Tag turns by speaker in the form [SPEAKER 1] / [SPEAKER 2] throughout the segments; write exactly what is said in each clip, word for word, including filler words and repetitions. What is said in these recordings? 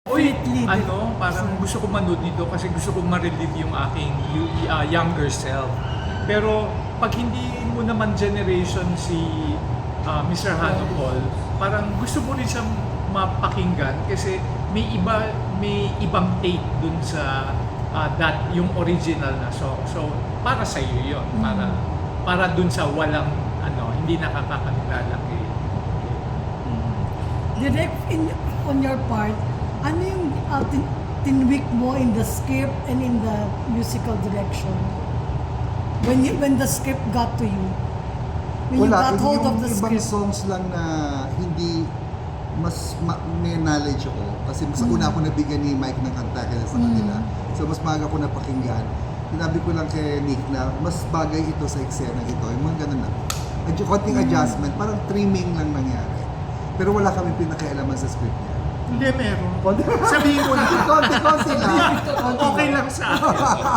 [SPEAKER 1] Uy,
[SPEAKER 2] Completely
[SPEAKER 1] ano, parang gusto ko manood dito kasi gusto kong ma-relieve yung aking yu- uh, younger self. Pero pag hindi mo naman generation si uh, mister Hano Paul, parang gusto mo rin siyang mapakinggan kasi may iba may ibang take dun sa uh, that yung original na song. So para sa iyo 'yon, para para dun sa walang ano, hindi nakakakilala kay
[SPEAKER 2] Direct in, on your part, ano yung uh, tin tinwik mo in the script and in the musical direction? When you, when the script got to you? When you
[SPEAKER 3] Wala,
[SPEAKER 2] got hold
[SPEAKER 3] yung
[SPEAKER 2] of the
[SPEAKER 3] ibang
[SPEAKER 2] script?
[SPEAKER 3] songs lang na hindi mas ma- may knowledge ako kasi sa una ako nabigyan ni Mike ng kanta kaya sa kanila. So mas maaga ko napakinggan. Sinabi ko lang kay Nick na mas bagay ito sa eksena ito. Yung mga ganun lang. Adju- konting adjustment, parang trimming lang nangyari. Pero wala kami pinakialaman sa script niya.
[SPEAKER 1] Hindi, meron.
[SPEAKER 3] Konti,
[SPEAKER 1] Sabihin mo na.
[SPEAKER 3] konti lang.
[SPEAKER 1] Okay lang sa akin.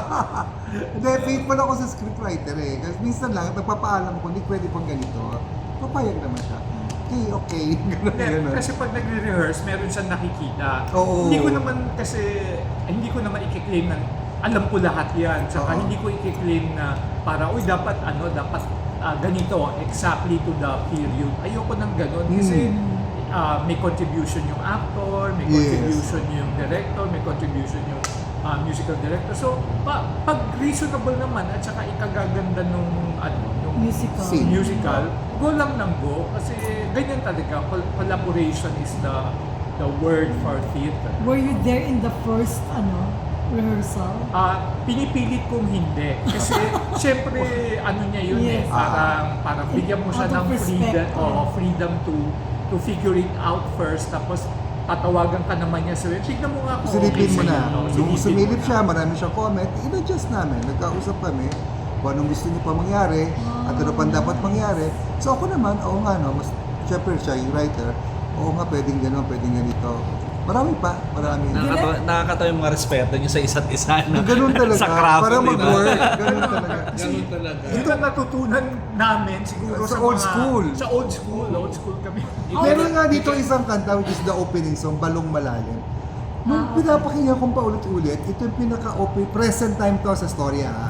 [SPEAKER 3] Hindi, faithful ako sa scriptwriter eh. Kasi minsan lang, nagpapaalam ko, hindi pwede pang ganito. Papayag naman siya. Okay, okay. Ganun,
[SPEAKER 1] Hindi,
[SPEAKER 3] ganun.
[SPEAKER 1] kasi pag nagre-rehearse, meron siyang nakikita.
[SPEAKER 3] Oo.
[SPEAKER 1] Hindi ko naman kasi, hindi ko naman i-claim na alam ko lahat yan. Saka
[SPEAKER 3] Oo.
[SPEAKER 1] hindi ko i-claim na para, uy, dapat ano, dapat ah, ganito, exactly to the period. Ayoko ng ganun. Kasi ah, may contribution yung actor, may
[SPEAKER 3] Yes.
[SPEAKER 1] contribution yung director, may contribution yung ah, musical director. So, pa, pag reasonable naman at saka ikagaganda nung ano, nung
[SPEAKER 2] Musical.
[SPEAKER 3] Scene.
[SPEAKER 1] musical, go lang ng go kasi ganyan talaga. Col- Collaboration is the the word for theater.
[SPEAKER 2] Were you there in the first ano rehearsal?
[SPEAKER 1] Ah, pinipilit kong hindi kasi syempre ano niya yun eh,
[SPEAKER 2] Yes.
[SPEAKER 1] parang parang bigyan mo siya
[SPEAKER 2] Out of
[SPEAKER 1] ng freedom,
[SPEAKER 2] respect.
[SPEAKER 1] oh, freedom to to figure it out first tapos tatawagan ka naman niya sa tignan mo nga kung
[SPEAKER 3] Silipin mo
[SPEAKER 1] sa'yo,
[SPEAKER 3] na.
[SPEAKER 1] no?
[SPEAKER 3] Nung
[SPEAKER 1] Silipin
[SPEAKER 3] sumilip
[SPEAKER 1] mo
[SPEAKER 3] siya,
[SPEAKER 1] na.
[SPEAKER 3] marami siyang comment, in-adjust namin. Nagkausap kami kung anong gusto niya pa mangyari at ano pang dapat mangyari. So ako naman, oo nga no, mas, syempre siya yung writer, oo nga pwedeng gano'n, pwedeng ganito. Marami pa, marami.
[SPEAKER 4] Nakakatawa, nakakatawa yung mga respeto nyo sa isa't isa. No?
[SPEAKER 3] Ganun talaga,
[SPEAKER 4] sa craft,
[SPEAKER 3] para
[SPEAKER 4] di ba?
[SPEAKER 3] mag-work, ganun talaga.
[SPEAKER 5] Ganun talaga.
[SPEAKER 1] Yun ang natutunan namin siguro
[SPEAKER 3] Sa
[SPEAKER 1] sa,
[SPEAKER 3] old
[SPEAKER 1] mga-
[SPEAKER 3] school.
[SPEAKER 1] Sa old school, old school kami.
[SPEAKER 3] Meron nga dito isang kanta which is the opening song, Balong Malalim.
[SPEAKER 2] Ah,
[SPEAKER 3] Nung pinapakinggan kong paulit-ulit, ito yung pinaka-open, present time to sa storya ha.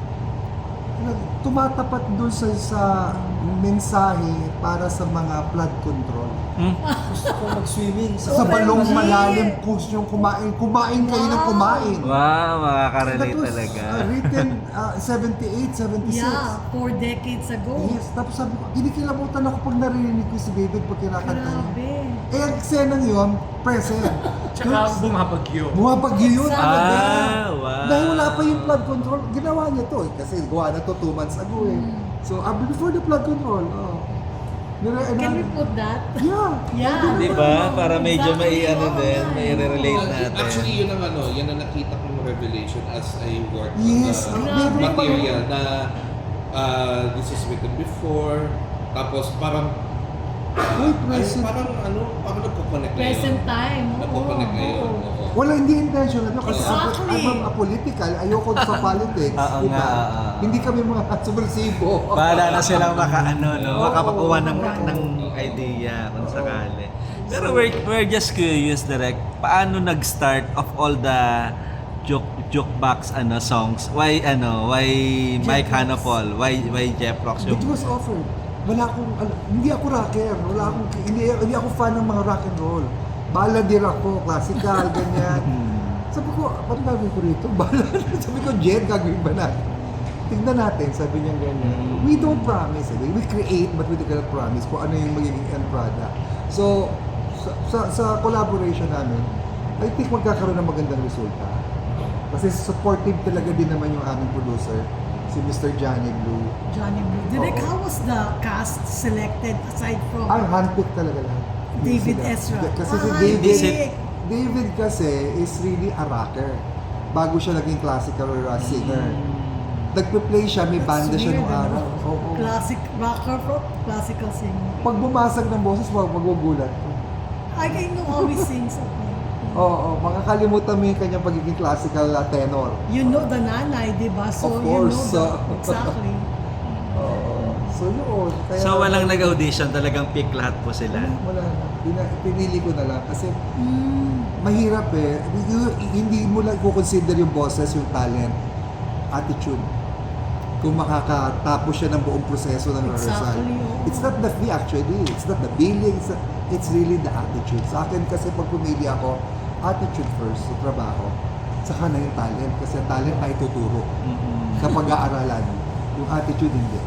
[SPEAKER 3] Nag- Tumatapat dun sa, sa mensahe para sa mga flood control.
[SPEAKER 5] Gusto ko mag-swimming
[SPEAKER 3] Sa
[SPEAKER 2] Oh,
[SPEAKER 3] balong
[SPEAKER 2] M G.
[SPEAKER 3] malalim, push yung kumain. Kumain kayo ng
[SPEAKER 2] Wow.
[SPEAKER 3] kumain.
[SPEAKER 4] Wow,
[SPEAKER 3] That
[SPEAKER 4] makaka-relate
[SPEAKER 3] was
[SPEAKER 4] talaga.
[SPEAKER 3] uh, written uh, seventy-eight, seventy-six.
[SPEAKER 2] Yeah, four decades ago.
[SPEAKER 3] Yes, tapos sabi ko, kinikilabutan ako pag narinig ko si David pag kinakanta niya.
[SPEAKER 2] Grabe.
[SPEAKER 3] Eh, ang eksenang yun, present.
[SPEAKER 1] Tsaka bumabagyo.
[SPEAKER 3] Bumabagyo yun.
[SPEAKER 2] Exactly.
[SPEAKER 3] talaga.
[SPEAKER 4] Ah, wow.
[SPEAKER 3] Dahil wala pa yung flood control, ginawa niya to eh. Kasi gawa na to two months ago eh. So, uh, before the flood control, oh. Nire-
[SPEAKER 2] Can we
[SPEAKER 3] ano-
[SPEAKER 2] put that?
[SPEAKER 3] Yeah.
[SPEAKER 2] Yeah.
[SPEAKER 4] Di ba? Para medyo may
[SPEAKER 2] Exactly.
[SPEAKER 4] ano din, may
[SPEAKER 2] Oo.
[SPEAKER 4] re-relate
[SPEAKER 5] Well,
[SPEAKER 4] natin.
[SPEAKER 5] actually, yun ang ano, yan ang nakita kong revelation as I work
[SPEAKER 3] Yes,
[SPEAKER 5] on the
[SPEAKER 2] ang
[SPEAKER 3] meron pa
[SPEAKER 5] material na uh, this is written before, tapos parang
[SPEAKER 3] Uy,
[SPEAKER 5] ay,
[SPEAKER 3] present.
[SPEAKER 5] parang ano, parang nagpo-connect na
[SPEAKER 2] Present
[SPEAKER 5] yun.
[SPEAKER 2] time. Oo.
[SPEAKER 5] Nagpo-connect na yun.
[SPEAKER 2] oo.
[SPEAKER 5] oo.
[SPEAKER 3] Wala, hindi intentional. Ano, kasi
[SPEAKER 2] Exactly.
[SPEAKER 3] I'm, I'm a political. Ayoko sa politics.
[SPEAKER 4] Oo
[SPEAKER 3] diba?
[SPEAKER 4] nga, oo.
[SPEAKER 3] Hindi kami mga subversibo.
[SPEAKER 4] Para na silang maka, ano, no,
[SPEAKER 3] Oo,
[SPEAKER 4] makapakuha ng,
[SPEAKER 3] oo.
[SPEAKER 4] ng idea kung sakali. Pero we're, we're just curious, direct, paano nag-start of all the joke jukebox ano songs? Why ano? Why Mike
[SPEAKER 3] Jeff
[SPEAKER 4] Hanapol? Why why Jeff Rocks
[SPEAKER 3] It
[SPEAKER 4] yung
[SPEAKER 3] was offered. Wala akong, al- hindi ako rocker. Wala akong, hindi, hindi ako fan ng mga rock and roll. Balladeer ako, classical, ganyan. Sabi ko, paano gagawin ko rito? Ballad. Sabi ko, Jet, gagawin ba natin? Tignan natin, sabi niya ganyan. We don't promise. Eh. We create, but we cannot promise kung ano yung magiging end product. So, sa, sa, sa collaboration namin, I think magkakaroon ng magandang resulta. Kasi supportive talaga din naman yung aming producer, si Mister Johnny Blue.
[SPEAKER 2] Johnny Blue. Direk,
[SPEAKER 3] Oo.
[SPEAKER 2] how was the cast selected aside from
[SPEAKER 3] Ay, handpicked talaga lahat.
[SPEAKER 2] David
[SPEAKER 3] Sila.
[SPEAKER 2] Ezra?
[SPEAKER 3] Kasi si
[SPEAKER 2] Ah,
[SPEAKER 3] David,
[SPEAKER 2] David.
[SPEAKER 3] David kasi is really a rocker. Bago siya naging classical or a singer. Nagpe-play siya, may
[SPEAKER 2] That's
[SPEAKER 3] banda siya
[SPEAKER 2] weird,
[SPEAKER 3] nung araw.
[SPEAKER 2] ano?
[SPEAKER 3] Oo.
[SPEAKER 2] Classic rocker from classical singer.
[SPEAKER 3] Pag bumasag ng boses, wag magugulat.
[SPEAKER 2] I can know how he sings. Okay.
[SPEAKER 3] Oo, oo, makakalimutan mo yung kanyang pagiging classical uh, tenor.
[SPEAKER 2] You know the nanay, di ba? So
[SPEAKER 3] Of
[SPEAKER 2] you
[SPEAKER 3] course,
[SPEAKER 2] know
[SPEAKER 3] uh,
[SPEAKER 2] the, exactly.
[SPEAKER 3] Oo. So yun. Kaya,
[SPEAKER 4] So walang nag-audition, talagang pick lahat po sila.
[SPEAKER 3] Wala, wala na. Pina- Pinili ko na lang kasi
[SPEAKER 2] Mm.
[SPEAKER 3] mahirap eh. You- Hindi mo lang i-consider yung boses, yung talent, attitude. Kung makakatapos siya ng buong proseso ng rehearsal.
[SPEAKER 2] Exactly, oo.
[SPEAKER 3] It's not the fee actually. It's not the billing. It's, not- it's really the attitude. Sa akin kasi pag pumili ako, attitude first sa trabaho. Saka na yung talent. Kasi talent na ituturo. Kapag aaralan. Yung attitude hindi.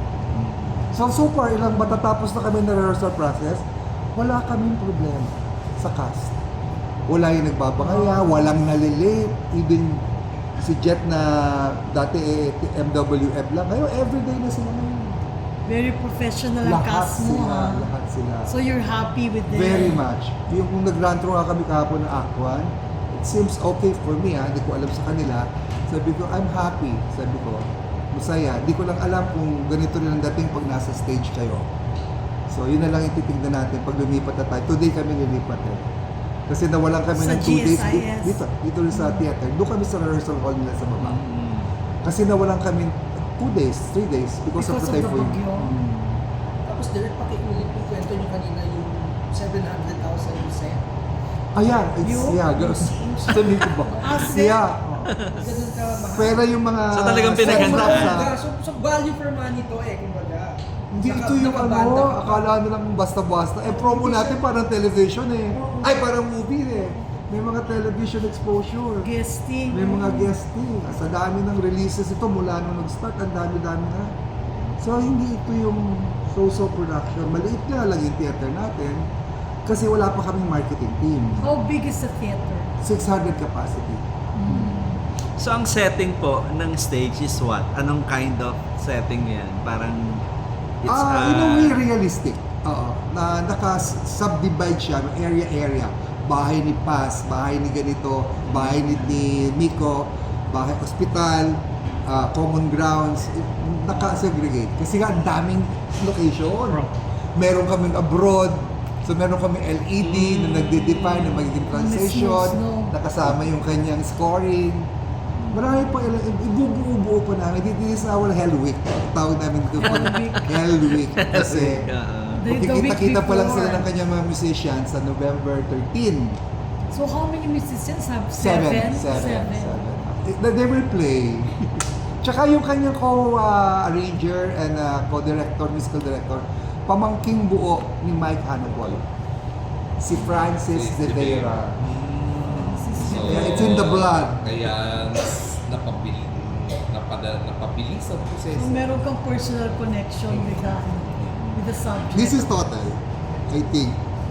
[SPEAKER 3] So, so far, ilang matatapos na kami na rehearsal process, wala kaming problema sa cast. Wala yung nagbabangaya, walang nalilate, even si Jet na dati eh, M W F lang, ngayon everyday na sila ngayon.
[SPEAKER 2] Very professional ang
[SPEAKER 3] Lahat
[SPEAKER 2] cast mo,
[SPEAKER 3] sila,
[SPEAKER 2] ha?
[SPEAKER 3] lahat sila.
[SPEAKER 2] So you're happy with them?
[SPEAKER 3] Very much. Yung kung nag-run through nga kami kahapon ng Act one, it seems okay for me ha, hindi ko alam sa kanila. Sabi ko, I'm happy. Sabi ko, masaya. Hindi ko lang alam kung ganito rin ang dating pag nasa stage kayo. So yun na lang yung titignan natin pag lumipat na tayo. Today kami lilipat eh. Kasi nawalan kami
[SPEAKER 2] Sa
[SPEAKER 3] ng two days
[SPEAKER 2] G S I S.
[SPEAKER 3] dito, dito rin sa theater. Doon kami sa rehearsal hall nila sa baba.
[SPEAKER 4] Mm.
[SPEAKER 3] Kasi nawalan kami two days, three days because,
[SPEAKER 2] Because
[SPEAKER 3] of
[SPEAKER 2] of
[SPEAKER 3] the
[SPEAKER 2] the
[SPEAKER 3] typhoon.
[SPEAKER 2] bagyo.
[SPEAKER 3] Mm.
[SPEAKER 6] Tapos direct pakiulit yung kwento nyo kanina yung seven hundred thousand you said.
[SPEAKER 3] Ayan, it's,
[SPEAKER 2] Yung-
[SPEAKER 3] yeah, girls. Sabi ko ba?
[SPEAKER 2] Ah, sir?
[SPEAKER 3] Yeah.
[SPEAKER 6] Ganun ka mahal.
[SPEAKER 3] Pero yung mga...
[SPEAKER 4] So, talagang
[SPEAKER 3] set
[SPEAKER 4] pinaghandaan.
[SPEAKER 3] props, ah,
[SPEAKER 6] So, so value for money to eh, kumbaga.
[SPEAKER 3] Hindi
[SPEAKER 6] Naka-
[SPEAKER 3] ito yung
[SPEAKER 6] nakabanda
[SPEAKER 3] ano,
[SPEAKER 6] ka pa.
[SPEAKER 3] akala nila kung basta-basta. Eh, promo natin parang television eh. Ay, parang movie eh. May mga television exposure.
[SPEAKER 2] Guesting.
[SPEAKER 3] May mga guesting. Sa dami ng releases ito mula nung nag-start, ang dami-dami na. So, hindi ito yung so-so production. Maliit nga lang yung theater natin kasi wala pa kaming marketing team.
[SPEAKER 2] How big is the theater?
[SPEAKER 3] six hundred capacity.
[SPEAKER 4] So ang setting po ng stage is what? Anong kind of setting yan? Parang it's
[SPEAKER 3] Ah, in a
[SPEAKER 4] uh,
[SPEAKER 3] way realistic. Oo. Na naka-subdivide siya ng area-area. Bahay ni Paz, bahay ni ganito, bahay ni, ni Miko, bahay hospital, ah, common grounds, naka-segregate. Kasi nga ang daming location. Meron kaming abroad, so meron kaming L E D na nagde-define na magiging transition,
[SPEAKER 2] Snow, snow.
[SPEAKER 3] nakasama yung kanyang scoring. Marami pa ilang, ibubuo-buo pa namin. This is our Hell Week. Tawag namin ito pag Hell Week. Kasi
[SPEAKER 4] uh,
[SPEAKER 2] The- the week
[SPEAKER 3] Kita-kita pa lang
[SPEAKER 2] before.
[SPEAKER 3] sila ng kanyang mga musicians sa November thirteenth.
[SPEAKER 2] So how many musicians have?
[SPEAKER 3] Seven.
[SPEAKER 2] Seven?
[SPEAKER 3] Seven. Seven. They, they will play. Tsaka yung kanyang co-arranger and uh, co-director, musical director, pamangking buo ni Mike Hanopol. Si Francis De Vera.
[SPEAKER 5] So,
[SPEAKER 3] Yeah, it's in the blood.
[SPEAKER 5] Kaya napabili, napada, napabilis ang
[SPEAKER 2] So
[SPEAKER 5] proseso.
[SPEAKER 2] meron kang personal connection with the, with the subject.
[SPEAKER 3] This is total, I think.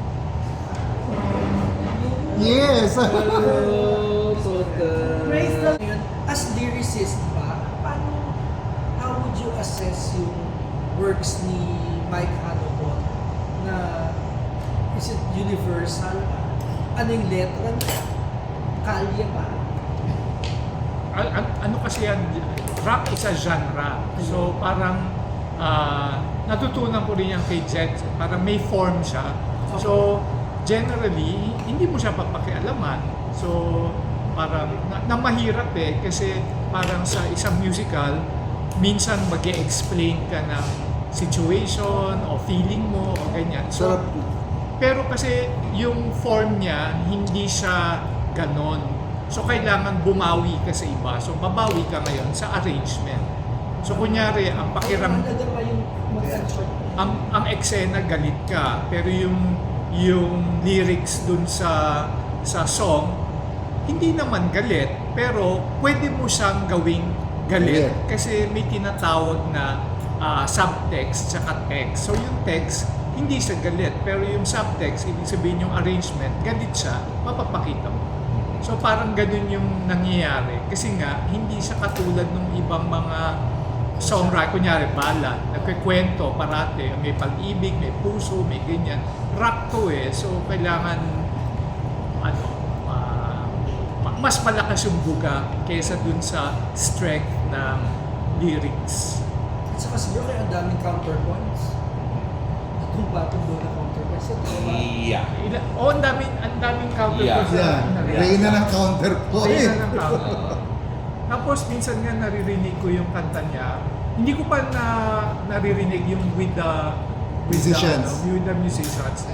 [SPEAKER 3] Yes!
[SPEAKER 5] Hello, Total.
[SPEAKER 2] Praise the
[SPEAKER 6] Ngayon, as lyricist ba, paano, how would you assess yung works ni Mike Hanopon na is it universal ba? Ano yung letra niya? Kalye ba?
[SPEAKER 1] Al- al- ano kasi yan, rap is a genre. So parang ah, natutunan ko rin yan kay Jet, parang may form siya. So generally, hindi mo siya papakialaman. So parang na, na mahirap eh kasi parang sa isang musical, minsan mag-e-explain ka ng situation o feeling mo o ganyan. So
[SPEAKER 3] Sarap.
[SPEAKER 1] pero kasi yung form niya, hindi siya ganon. So kailangan bumawi ka sa iba. So babawi ka ngayon sa arrangement. So kunyari, ang pakiram,
[SPEAKER 6] Mahalaga pa yung mag-short.
[SPEAKER 1] ang, ang eksena galit ka, pero yung yung lyrics dun sa sa song, hindi naman galit, pero pwede mo siyang gawing galit.
[SPEAKER 3] Galit.
[SPEAKER 1] Kasi may tinatawag na ah, subtext tsaka text. So yung text, hindi siya galit, pero yung subtext, ibig sabihin yung arrangement, galit siya, mapapakita mo. So parang ganun yung nangyayari. Kasi nga, hindi siya katulad ng ibang mga songwriter, kunyari ballad, nagkikwento parate, may pag-ibig, may puso, may ganyan. Rock to eh, so kailangan ano, ah, ma- mas malakas yung buga kaysa dun sa strength ng lyrics.
[SPEAKER 6] At saka siguro kaya ang daming counterpoints. Itong batong doon na counterpoints. Ito ba?
[SPEAKER 5] Yeah.
[SPEAKER 1] Ila, oh, ang daming, ang daming counterpoints.
[SPEAKER 5] Yeah.
[SPEAKER 1] na- na-
[SPEAKER 3] Reyna ng
[SPEAKER 1] Reyna
[SPEAKER 3] counterpoint.
[SPEAKER 1] ng counter. Tapos minsan nga naririnig ko yung kanta niya. Hindi ko pa na naririnig yung with the with
[SPEAKER 3] Musicians.
[SPEAKER 1] the, ano, with the musicians.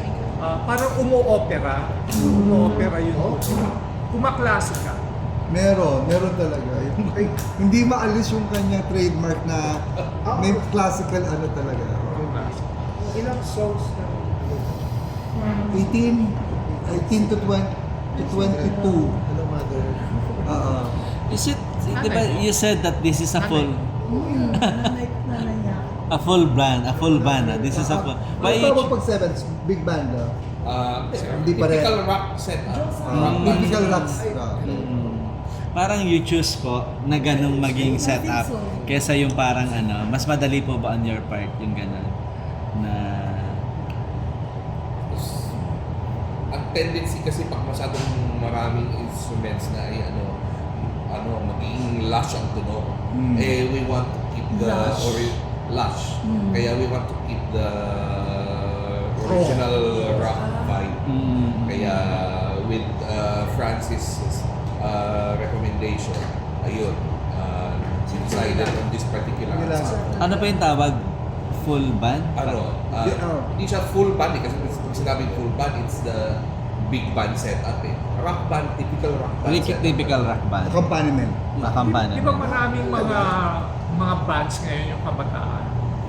[SPEAKER 1] ah, parang umu-opera. Umu-opera yun. Kumaklasika.
[SPEAKER 3] Meron, meron talaga. Yung, ay, hindi maalis yung kanyang trademark na may classical ano talaga.
[SPEAKER 6] Ilang songs na
[SPEAKER 3] eighteen, eighteen to twenty, to twenty-two.
[SPEAKER 6] Hello, Mother.
[SPEAKER 3] Oo.
[SPEAKER 4] Is it, di ba, you said that this is a full,
[SPEAKER 2] Mm, nanay, nanay niya.
[SPEAKER 4] a full band, a full band. ah. This is a full,
[SPEAKER 3] Ano
[SPEAKER 4] by
[SPEAKER 3] tawag
[SPEAKER 4] each,
[SPEAKER 3] pag sevens? Big band, ah.
[SPEAKER 5] Uh,
[SPEAKER 3] Hindi pa rin.
[SPEAKER 5] typical rock setup.
[SPEAKER 3] Ah,
[SPEAKER 5] rock band.
[SPEAKER 3] typical rocks. ah.
[SPEAKER 4] Mm. Parang you choose po na ganong maging setup kesa yung parang ano, mas madali po ba on your part yung ganon na
[SPEAKER 5] Ang tendency kasi pag masyadong maraming instruments na ay ano, ano, magiging lush ang tunog.
[SPEAKER 3] Mm.
[SPEAKER 5] Eh, we want to keep the
[SPEAKER 2] Lush.
[SPEAKER 5] or lush.
[SPEAKER 2] Mm.
[SPEAKER 5] Kaya we want to keep the original rock vibe.
[SPEAKER 4] mm,
[SPEAKER 5] Kaya with uh, Francis's uh, recommendation, ayun, uh, decided on this particular
[SPEAKER 3] Yun lang.
[SPEAKER 5] ensemble.
[SPEAKER 4] ano pa yung tawag? Full band?
[SPEAKER 5] Ano, uh,
[SPEAKER 3] Di- oh.
[SPEAKER 5] hindi siya full band eh, kasi pag sinabing full band, it's the big band setup eh. Rock band, typical rock band
[SPEAKER 4] Typical,
[SPEAKER 5] setup.
[SPEAKER 4] typical rock band.
[SPEAKER 3] Accompaniment.
[SPEAKER 4] Makampana.
[SPEAKER 1] Di ba maraming mga mga bands ngayon yung kabataan?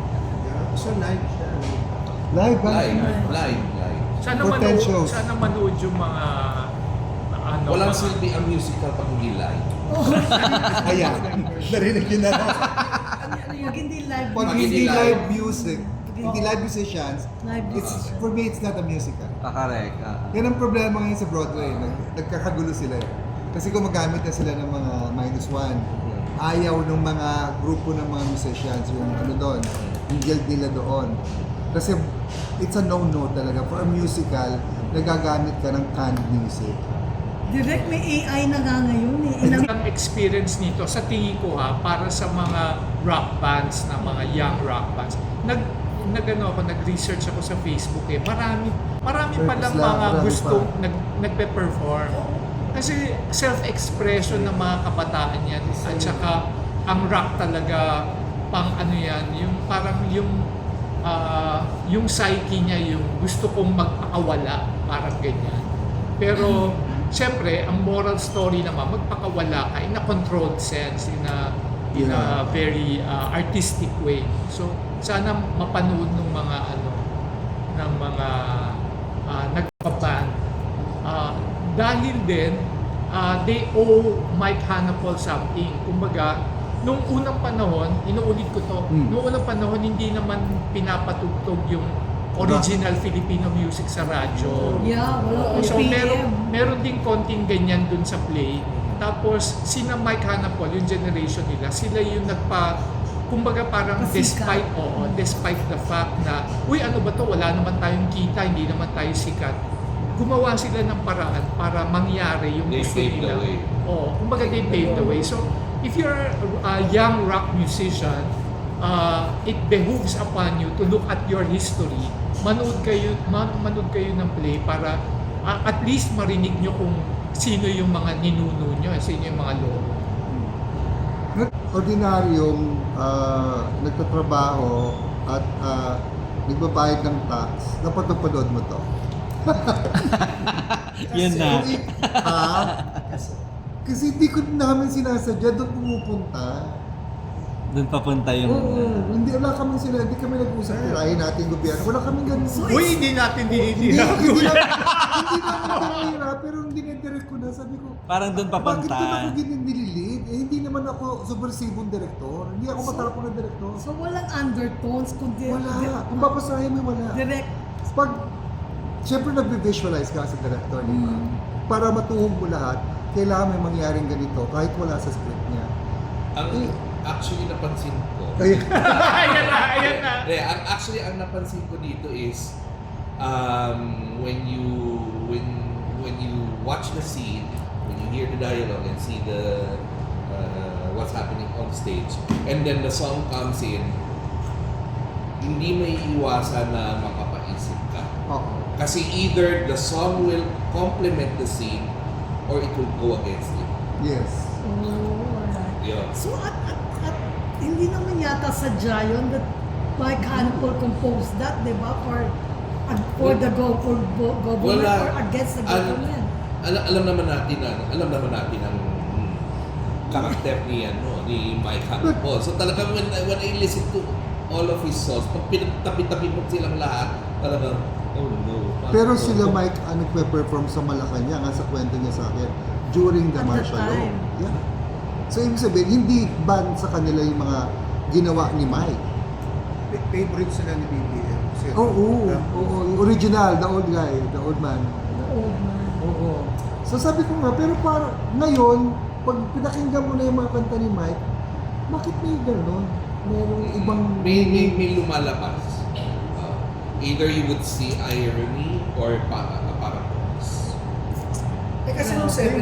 [SPEAKER 6] So, live siya.
[SPEAKER 3] Live ba?
[SPEAKER 5] Live, live, live.
[SPEAKER 1] Sana
[SPEAKER 3] For ten
[SPEAKER 1] manood,
[SPEAKER 3] shows.
[SPEAKER 1] sana manood yung mga ano,
[SPEAKER 5] Walang
[SPEAKER 1] mga-
[SPEAKER 5] silbi ang musical pag hindi live.
[SPEAKER 3] Ayan. Narinig yun na.
[SPEAKER 2] Pag hindi live,
[SPEAKER 3] Pag
[SPEAKER 5] Pag
[SPEAKER 3] hindi
[SPEAKER 5] hindi
[SPEAKER 3] live
[SPEAKER 5] live.
[SPEAKER 3] music, hindi live musicians,
[SPEAKER 2] live
[SPEAKER 3] it's,
[SPEAKER 2] musician.
[SPEAKER 3] for me, it's not a musical.
[SPEAKER 4] Ah, correct. ah.
[SPEAKER 3] Yan ang problema ngayon sa Broadway. Nag, nagkakagulo sila eh. Kasi gumagamit na sila ng mga minus one. Ayaw ng mga grupo ng mga musicians, yung ano doon, yung guild nila doon. Kasi it's a no-no talaga. For a musical, nagagamit ka ng canned music.
[SPEAKER 2] Direct may A I na nga ngayon eh. Inang,
[SPEAKER 1] ang experience nito sa tingin ko ha para sa mga rock bands na mga young rock bands. Nag nagano ako nag-research ako sa Facebook eh. Marami marami pa lang
[SPEAKER 3] Marami
[SPEAKER 1] mga
[SPEAKER 3] pa.
[SPEAKER 1] gustong nag nagpe-perform. Kasi self-expression ng mga kabataan yan at saka ang rock talaga pang ano yan, yung parang yung ah, yung psyche niya yung gusto kong magpakawala, parang ganyan. Pero Siyempre, ang moral story naman, magpakawala ka in a controlled sense, in a, in a very uh, artistic way. So, sana mapanood ng mga ano, ng mga uh, nagpa-band. Uh, dahil din, uh, they owe Mike Hanapol something. Kumbaga, nung unang panahon, inuulit ko to,
[SPEAKER 3] Mm.
[SPEAKER 1] nung unang panahon, hindi naman pinapatugtog yung original Filipino music sa radyo.
[SPEAKER 2] yeah, wala
[SPEAKER 1] So
[SPEAKER 2] O P M.
[SPEAKER 1] meron, meron din konting ganyan dun sa play. Tapos sina Mike Hanapol, yung generation nila, sila yung nagpa, kumbaga parang
[SPEAKER 2] Pasikat.
[SPEAKER 1] despite, oo, despite the fact na, uy ano ba to, wala naman tayong kita, hindi naman tayo sikat. Gumawa sila ng paraan para mangyari yung
[SPEAKER 5] They
[SPEAKER 1] gusto
[SPEAKER 5] paved the
[SPEAKER 1] nila.
[SPEAKER 5] way.
[SPEAKER 1] Oo, kumbaga they paved the way. So if you're a young rock musician, uh, it behooves upon you to look at your history. Manood kayo, man, manood kayo ng play para uh, at least marinig nyo kung sino yung mga ninuno nyo, sino yung mga lolo.
[SPEAKER 3] Ordinaryong ah, nagtatrabaho at ah, nagbabayad ng tax, napatupanood mo to.
[SPEAKER 4] Yun na.
[SPEAKER 3] Ha? Kasi hindi ko namin sinasadya, doon pumupunta.
[SPEAKER 4] Doon papunta yung...
[SPEAKER 3] Oo, hindi wala kami sila, hindi kami nag-usap, tirahin natin gobyerno. Wala kami ganun.
[SPEAKER 2] So,
[SPEAKER 1] Uy, hindi natin
[SPEAKER 3] hindi,
[SPEAKER 1] dinidira.
[SPEAKER 3] hindi, namin, hindi namin tinira, pero hindi na-direct ko na. Sabi ko,
[SPEAKER 4] Parang doon
[SPEAKER 3] bakit
[SPEAKER 4] papunta.
[SPEAKER 3] doon ako nililid? Eh, hindi naman ako subversibong direktor. Hindi ako matarapong na direktor.
[SPEAKER 2] so walang undertones, kundi
[SPEAKER 3] Wala. Kung babasahin mo, wala.
[SPEAKER 2] direct.
[SPEAKER 3] Pag, siyempre nag-visualize ka sa director, di ba?
[SPEAKER 2] Mm.
[SPEAKER 3] Para matuhog mo lahat, kailangan may mangyaring ganito kahit wala sa script niya.
[SPEAKER 5] Ang
[SPEAKER 3] Eh.
[SPEAKER 5] actually napansin ko,
[SPEAKER 3] Kaya,
[SPEAKER 1] Ayan na, ayan na.
[SPEAKER 5] Hindi, ang actually ang napansin ko dito is um, when you when when you watch the scene, when you hear the dialogue and see the uh, what's happening on stage, and then the song comes in, hindi may iwasan na makapaisip ka.
[SPEAKER 3] oo.
[SPEAKER 5] Kasi either the song will complement the scene or it will go against it.
[SPEAKER 3] Yes.
[SPEAKER 2] Oh, alright.
[SPEAKER 5] Yun.
[SPEAKER 2] So at, at, at hindi naman yata sadya yun that Mike Hanapol composed that, di ba? For ag- for the go for go- government
[SPEAKER 5] Wala.
[SPEAKER 2] or against the
[SPEAKER 5] Al-
[SPEAKER 2] government.
[SPEAKER 5] Alam, alam naman natin na, alam naman natin ang karakter ni ano ni Mike Hanopol. So talagang when, when I listen to all of his songs, pag pinagtabi-tabi mo silang lahat, talagang oh no.
[SPEAKER 3] Pero
[SPEAKER 5] Oh,
[SPEAKER 3] sila
[SPEAKER 5] oh.
[SPEAKER 3] Mike, ano, nagpe-perform sa Malacanang, nga sa kwento niya sa akin, during the
[SPEAKER 2] At the
[SPEAKER 3] martial law.
[SPEAKER 2] time.
[SPEAKER 3] Yeah. So, ibig sabihin, hindi ban sa kanila yung mga ginawa ni Mike.
[SPEAKER 7] Favorite sila ni B B M. Kasi-
[SPEAKER 3] Oo, oo,
[SPEAKER 7] Yeah.
[SPEAKER 3] oo, yung original, the old guy, the old man.
[SPEAKER 2] Old man.
[SPEAKER 3] Oo. So sabi ko nga, pero para ngayon, pag pinakinggan mo na yung mga kanta ni Mike, bakit may gano'n? Merong ibang...
[SPEAKER 5] may, may, may lumalabas. Uh, either you would see irony or pa, paradox.
[SPEAKER 6] Eh kasi nung seven